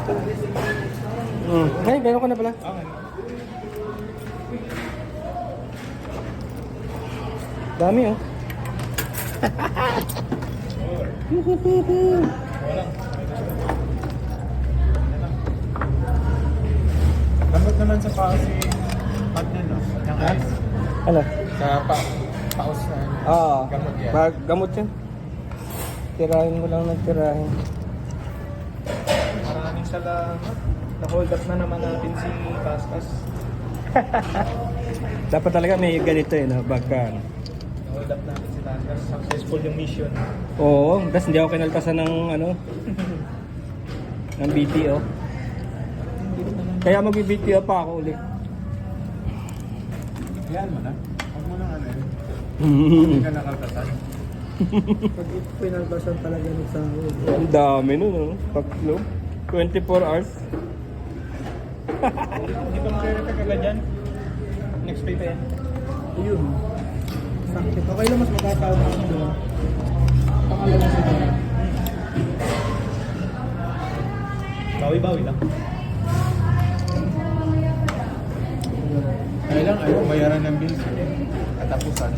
Ay, meron ka na pala. Okay. Dami oh. Walang. Gamot naman sa paa si Pag na, no? Yung ice. Ano? Sa paus na. Oo. Gamot yan. Gamot yan. Tirahin mo lang ng tirahin. Maraming salamat. Na-hold up na naman natin si Paspas. Dapat talaga may ganito eh, no? Bagka. Na-hold up natin si Paspas. Successful yung mission. Oo, tapos hindi ako kinaltasan ng ano, ng BTO. Kaya mag-BTO pa ako ulit. Yan mo na. Huwag mo nang ano yun. Hindi ka nakaltasan. Pag pinalbasan talaga ng sahod. Ang dami nun, no? Tatlo. 24 hours. Hindi pa mag-repair agad yan. Next pay pa yan. Ayun. Sakit. Okay lang mas makakaon ako doon. Pangalan sa doon. Bawi-bawi lang. Kailang ayaw bayaran ng bills. Katapusan.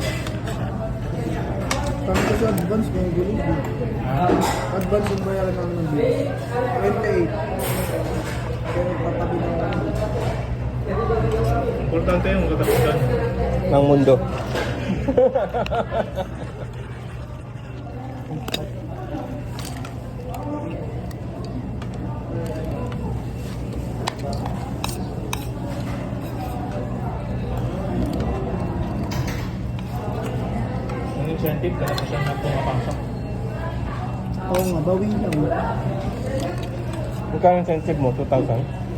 Kami kasi advance may gulo. Advance yung bayaran namin ng bills. 28. Pero patabi na ako. Importante yung katapusan. Ng mundo. Yung incentive, katapusan na pumapasok. Oo nga, bawi lang. Magkano incentive mo? 2,000?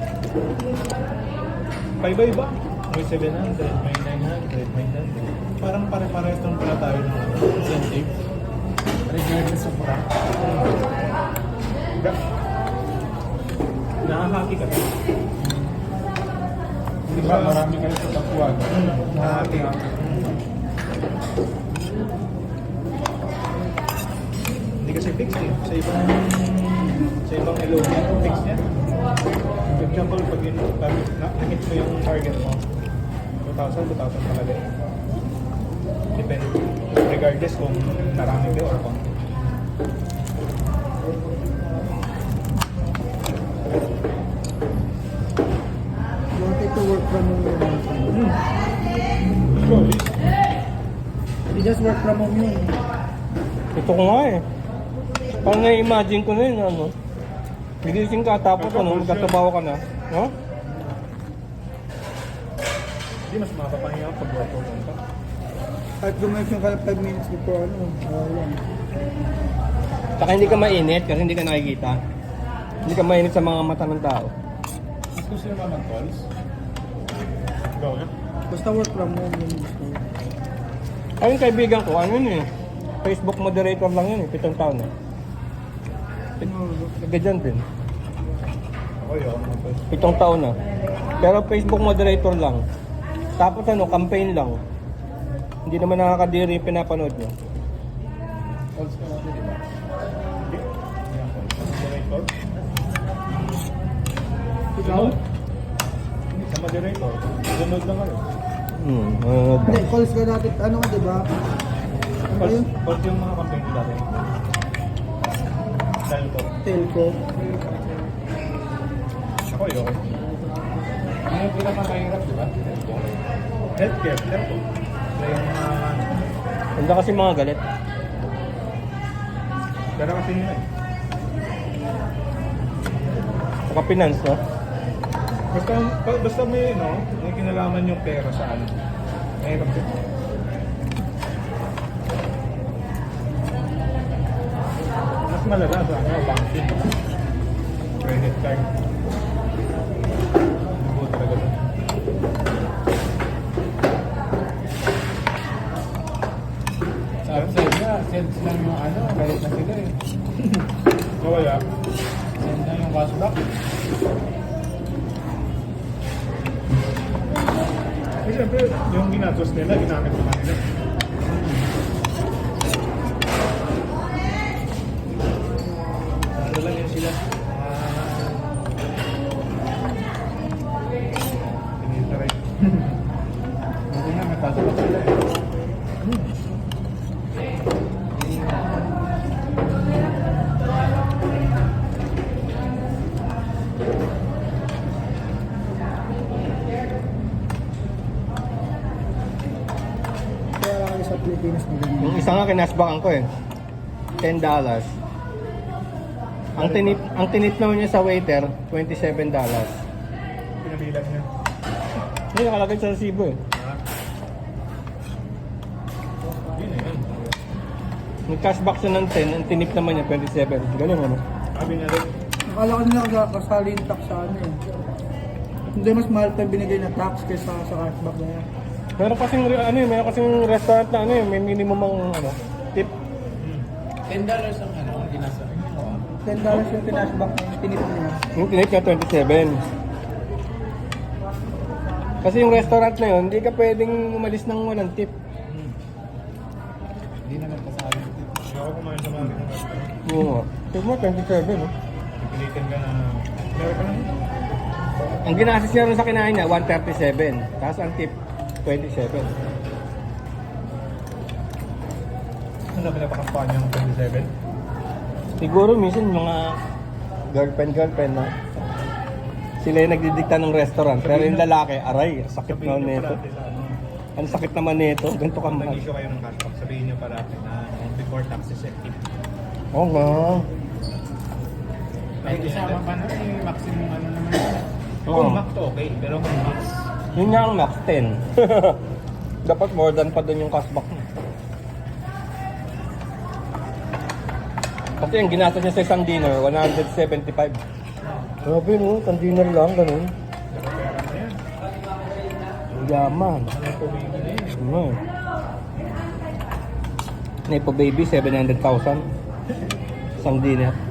Iba-iba. May 700, may 900, may 100. Parang pare-parehas lang pala tayo ng incentive. Regardless of rank. Nakahaki ka. Di ba marami kayo sa tapuan? Nakahaki ka. Hindi kasi fix eh. Sa ibang LOB, fix niya. For example, pag na-hit mo yung target mo, 2,000 talaga eh. Depende. Regardless kung marami kayo or konti. You wanted to work from home yun. Surely. Hindi just work from home yun. Ito ko nga eh. Parang na-imagine ko na yun, ano? Gigising ka, tapos ano, magkatabaho ka na. No? Hindi, mas mapapahinga pag work from home ka. Kahit gumising ka 5 minutes before ano, lang. Saka hindi ka mainit kasi hindi ka nakikita. Hindi ka mainit sa mga mata ng tao. Mas gusto naman ng calls. Go na. Basta work from home yun gusto. Ayun kaibigan ko, ano yun eh. Facebook moderator lang yun eh, 7 taon na. Ganyan din. Ako yun. 7 taon na. Pero Facebook moderator lang. Tapos ano, campaign lang. Hindi naman nakakadiri yung pinapanood niya. Calls ka natin, di ba? Hindi. Hindi ako. Moderator? Ikaw? Sa moderator. Sunod lang kayo. Hindi, calls ka natin, ano ka diba? Ano yun? Calls yung mga campaign nila rin. Telco. Telco. Ako yun. Ano yung pinakamahirap, di ba? Healthcare. Telco. Kaya yung mga... Hindi kasi mga galit. Pero kasi yun eh. Saka finance, no? Basta may, no, may kinalaman yung pera sa ano. Mahirap din. Mas malaga sa ano, banking. Credit card. Buo talaga doon. Sa upside niya, send lang yung ano, galit na sila eh. Kaya, Send lang yung cashback. eh, siyempre, yung ginatos nila, ginamit naman nila. Ano lang yun sila? kinashbackan ko eh. $10. Ang tinip naman niya sa waiter, $27. Pinabilang niya. Hindi nakalagay sa resibo eh. Yun na yun. Nag-cashback siya ng 10, ang tinip naman niya 27. Ganun ano? Sabi niya rin, Akala ko nila kasali yung tax sa ano eh. Hindi, mas mahal pa yung binigay na tax kaysa sa cashback na yan. Meron kasing meron kasing restaurant na may minimum ang tip. $10 ang ano, ginasa. $10 yung kinashback na yung tinip niya. Yung tinip niya 27. Kasi yung restaurant na yun, hindi ka pwedeng umalis ng walang tip. Hindi naman kasali. hindi ako kumain sa mga ganung restaurant. Oo nga. Tip mo 27 no? Pipilitin ka na, meron ka lang. Ang ginastos niya rin sa kinain niya, 137. Tapos ang tip, 27. Ano na pinapakaspahan niya ng 27? Siguro minsan mga girlfriend na. Sila yung nagdidikta ng restaurant. Pero yung lalaki, aray, sakit naman nito. Ang sakit naman nito. Ganito ka Kung mahal. nag-issue kayo ng cashback, sabihin niyo parati na before taxes and tip. Oo nga. May kasama pa na eh, maximum ano naman yun. Oo. Kung max to okay, pero kung max, Yun nga ang max 10. Dapat more than pa dun yung cashback mo. Kasi yung ginastos niya sa isang dinner, 175. Grabe no, isang dinner lang, ganun. pera na yan. Ang yaman. Ano po bibili na yun? Ano eh. Nepo baby, 700,000. Isang dinner.